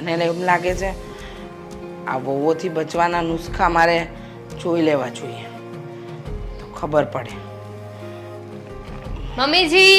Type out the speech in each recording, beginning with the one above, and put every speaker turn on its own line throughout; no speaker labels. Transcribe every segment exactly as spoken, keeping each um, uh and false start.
મને એમ લાગે છે આ વહુઓથી બચવાના નુસ્ખા મારે જોઈ લેવા જોઈએ તો ખબર પડે.
મમ્મીજી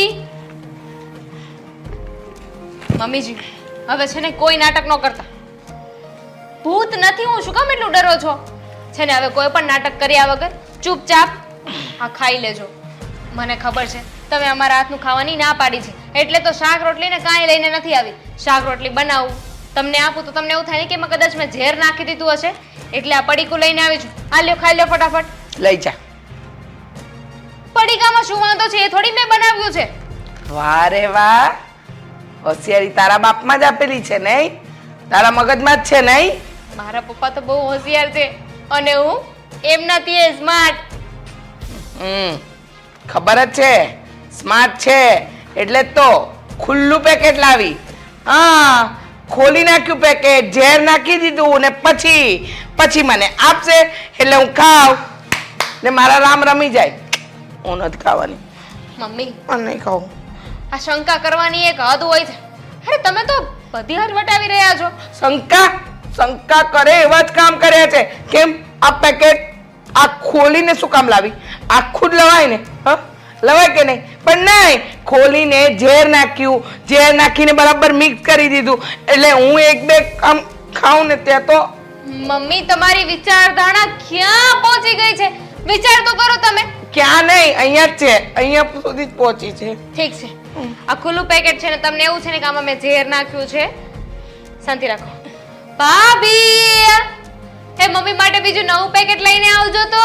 મમ્મીજી હવે છે ને કોઈ નાટક ન કરતા. ભૂત નથી હું, શું કામ એટલું ડરો છો? છે ને હવે કોઈ પણ નાટક કર્યા વગર ચૂપચાપ આ ખાઈ લેજો. મને ખબર છે તમે અમારા હાથનું ખાવાની ના પાડી છે, એટલે તો શાક રોટલી ને કાંઈ લઈને નથી આવી. શાક રોટલી બનાવું તમને આપું તો તમને એવું થાય ને કે એમાં કદાચ મેં ઝેર નાખી દીધું હશે, એટલે આ પડીકું લઈને આવી છું. આ લ્યો, ખાઈ લો ફટાફટ.
લઈ જા.
પડીકામાં શું વાંધો છે? એ થોડી મેં બનાવ્યું છે.
વાહ રે વાહ, હોશિયારી તારા બાપમાં જ આપેલી છે નહીં, તારા મગજમાં જ છે નહીં.
મારા પપ્પા તો બહુ હોશિયાર છે અને હું એમના થી સ્માર્ટ.
હમ ખબર જ છે સ્માર્ટ છે એટલે જ તો ખુલ્લું પેકેટ લાવી. હા, ખોલી નાખ્યું પેકેટ, ઝેર નાખી દીધું ને પછી પછી મને આપશે એટલે હું ખાવ ને મારા રામ રમી જાય. હું નથી ખાવાની.
મમ્મી
હું નહીં ખાઉં.
આ શંકા કરવાની એક હદ હોય છે. અરે તમે તો બધી હદ વટાવી રહ્યા છો.
શંકા શંકા કરે એવા જ કામ કર્યા છે. કેમ આ પેકેટ આ ખોલીને શું કામ લાવી? આખું જ લવાય ને? હા લવાય કે નહીં? પણ નહીં, ખોલીને ઝેર નાખ્યું, ઝેર નાખીને બરાબર મિક્સ કરી દીધું એટલે હું એક બે આમ ખાઉં ને ત્યાં તો.
મમ્મી તમારી વિચારધારણા ક્યાં પહોંચી ગઈ છે? વિચાર તો કરો તમે.
ક્યાં નહીં, અહીંયા જ છે, અહીંયા સુધી જ પહોંચી છે.
ઠીક છે, આ ખુલ્લું પેકેટ છે ને તમને એવું છે ને કે આમાં મેં ઝેર નાખ્યું છે. શાંતિ રાખો. ભાભી એ મમ્મી માટે બીજું નવું પેકેટ લઈને આવજો તો.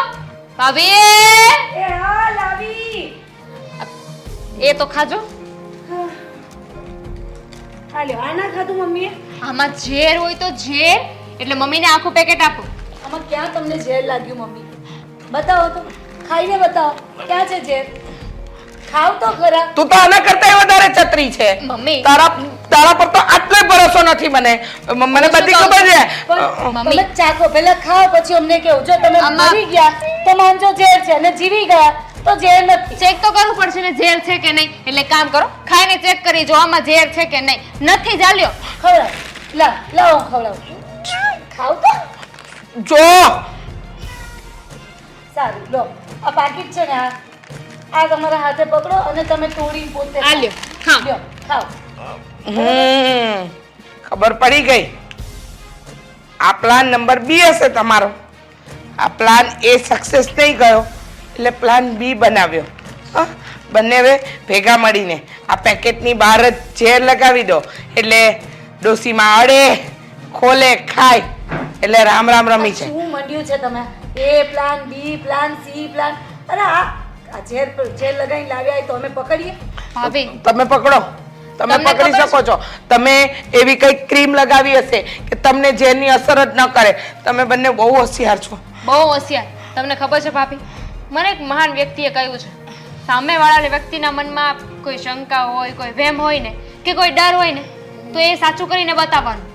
ભાભી
એ હા લાવી.
એ તો ખાજો.
હાલ્યો, આ ના ખાધું મમ્મીએ?
આમાં ઝેર હોય તો ઝેર, એટલે મમ્મીને આખું પેકેટ આપો.
આમાં ક્યાં તમને ઝેર લાગ્યું મમ્મી? બતાવો તો, ખાઈને બતાવો ક્યાં છે ઝેર. ખાવ તો ખરા.
તું તો આના કરતા વધારે ચતરી છે.
મમ્મી
તારા તારા પર તો આટલો ભરોસો નથી મને. મને બધી ખબર છે.
પણ
મમ્મી.
તમે ચાખો, પહેલા ખાઓ પછી અમને કેવું. જો તમે
આમાં-
મરી ગયા તો માનજો ઝેર છે અને જીવી ગયા તો ઝેર નથી.
ચેક તો કરવું પડશે ને ઝેર છે કે નહીં. એટલે કામ કરો, ખાઈને ચેક કરી જો આમાં ઝેર છે કે નહીં. નથી ચાલ્યો.
ખવડાવ. લા લાવો હું ખવડાવું. ખાવ તો
જો
સારું. લો આ પાકીટ છે ને, આ આ તમારા હાથે પકડો અને તમે તોડી પોતે
આ લ્યો, હા.
લ્યો ખાઓ.
હમ ખબર પડી ગઈ. આ પ્લાન નંબર બી હશે તમારો. આ પ્લાન એ સક્સેસ નહીં ગયો એટલે પ્લાન બી બનાવ્યો. હા, બંને ભેગા મળીને આ પેકેટની બહાર જ ઝેર લગાવી દો એટલે ડોસીમાં અડે ખોલે ખાય એટલે રામ રામ રમી છે.
શું મંડ્યું છે તમે? એ plan B plan C plan. અરે આ આ ઝેર પર ઝેર લગાવીને લાવ્યા હોય તો અમે પકડીએ?
ભાભી
તમે પકડો, તમે
તમને
પકડી
ખબર
શકો છો. તમે એવી કઈ ક્રીમ લગાવી હશે કે તમને ઝેરની અસર જ ન કરે. તમે બંને બહુ હોશિયાર છો.
બહુ હોશિયાર. તમને ખબર છે ભાભી, મને એક મહાન વ્યક્તિએ કહ્યું છે, સામેવાળા વ્યક્તિના મનમાં કોઈ શંકા હોય, કોઈ વહેમ હોય ને કે કોઈ ડર હોય ને તો એ સાચું કરીને બતાવવાનું.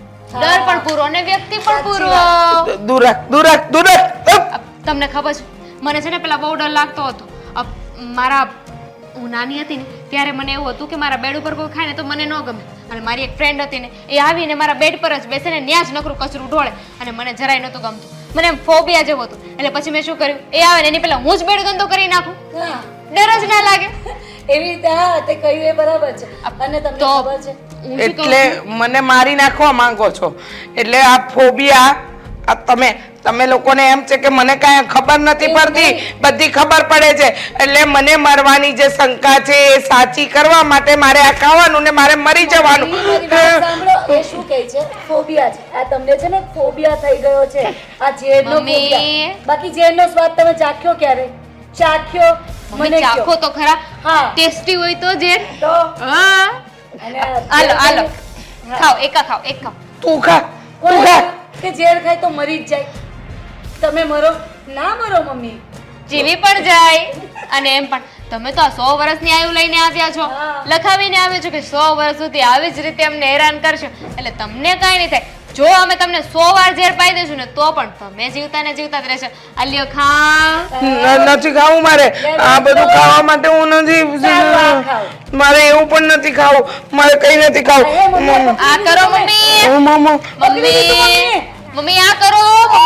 ડર પણ પૂરો અને વ્યક્તિ પણ પૂરો.
દૂર રાખ, દૂર રાખ, દૂર રાખ.
અ, તમને ખબર છે મને છે ને પેલા બહુ ડર લાગતો હતો. અ, મારા હું નાની હતી ને ત્યારે મને એવું હતું કે મારા બેડ ઉપર કોઈ ખાય ને તો મને ન ગમે. અને મારી એક ફ્રેન્ડ હતી ને એ આવીને મારા બેડ પર જ બેસે ને ત્યાં જ નકરું કચરું ઢોળે અને મને જરાય નહોતું ગમતું. મને એમ ફોબિયા જેવું હતું. એટલે પછી મેં શું કર્યું, એ આવે ને એની પહેલા હું જ બેડ ગંદો કરી નાખું.
હા,
ડર જ ના લાગે.
એવી રીતે. હા, તે કહ્યું એ બરાબર છે. અને તમને
તો
ખબર છે
હું શું કહું
એટલે
છું?
મને મારી નાખવા માંગો છો. એટલે આ ફોબિયા આ તમે તમે લોકોને એમ છે કે મને કાંઈ ખબર નથી પડતી, બધી ખબર પડે છે. એટલે મને મરવાની જે શંકા છે એ સાચી કરવા માટે મારે આ ખાવાનું ને મારે મરી જવાનું.
મારી વાત સાંભળો. એ શું કહે છે? ફોબિયા છે. આ તમને છે ને ફોબિયા થઈ ગયો છે. આ ઝેરનો
મમ્મી.
ફોબિયા. બાકી ઝેરનો સ્વાદ તમે ચાખ્યો ક્યારે? ચાખ્યો?
મમ્મી
મને
ચાખો
કહો.
તો ખરા.
હા.
ટેસ્ટી હોય તો જે.
તો
હા
અને આ
હાલો
ઝેર
હાલો
હા.
ખાઓ, એકા ખાઓ, એક ખાઓ.
તું ખા, તું
કોણ
ખા.
કે ઝેર ખાય તો મરી જ જાય? તમે મરો ના મરો મમ્મી.
જીવી પણ જાય. અને એમ પણ તમે તો આ સો વર્ષની આયુ લઈને આવ્યા છો,
હા.
લખાવીને આવ્યા છો કે સો વર્ષ સુધી આવી જ રીતે અમને હેરાન કરશો. એટલે તમને કાંઈ નહીં થાય. જો અમે તમને સો વાર ઝેર પાઈ દઈશું ને તો પણ તમે જીવતા ને જીવતા જ રહેશો. આ લ્યો ખા.
ન- નથી ખાવું મારે. આ બધું ખાવા માટે હું
સારું, આ
નથી.
ખાઓ.
મારે એવું પણ નથી ખાવું. મારે કઈ નથી ખાવું.
અરે મમ્મી,
આ કરો મમ્મી.
મમ્મી
પકડી લીધું
મમ્મી
મમ્મીએ.
મમ્મી આ કરો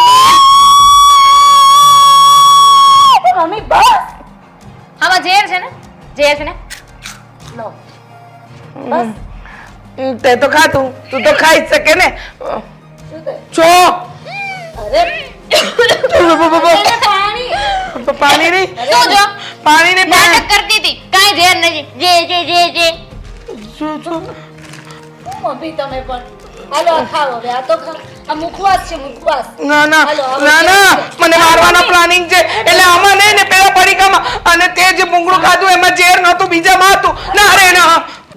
મમ્મી બસ
આમાં ઝેર છે ને ઝેર છે ને
લો બસ
તે તો ખાતું તું તો ખાઈ જ શકે ને
શું થયું?
છો
અરે એને પાણી
પાણી નહીં
શું જો
પાણી નહીં
નાટક
પાણી
કરતી હતી કાંઈ ઝેર નથી જે જે જે જે
શું શું
મમ્મી તમે પણ હાલો આ ખાઓ હવે આ તો ખાઓ આ મુખવાસ છે મુખવાસ
ના ના
હાલો, હવે
ના ના
કેવું છે?
મને મારવાનો પ્લાનિંગ છે એટલે આમાં નહીં ને પેલા પડીકામાં અને તે જે મૂંગળું ખાધું એમાં ઝેર નહોતું બીજામાં હતું ના રે ના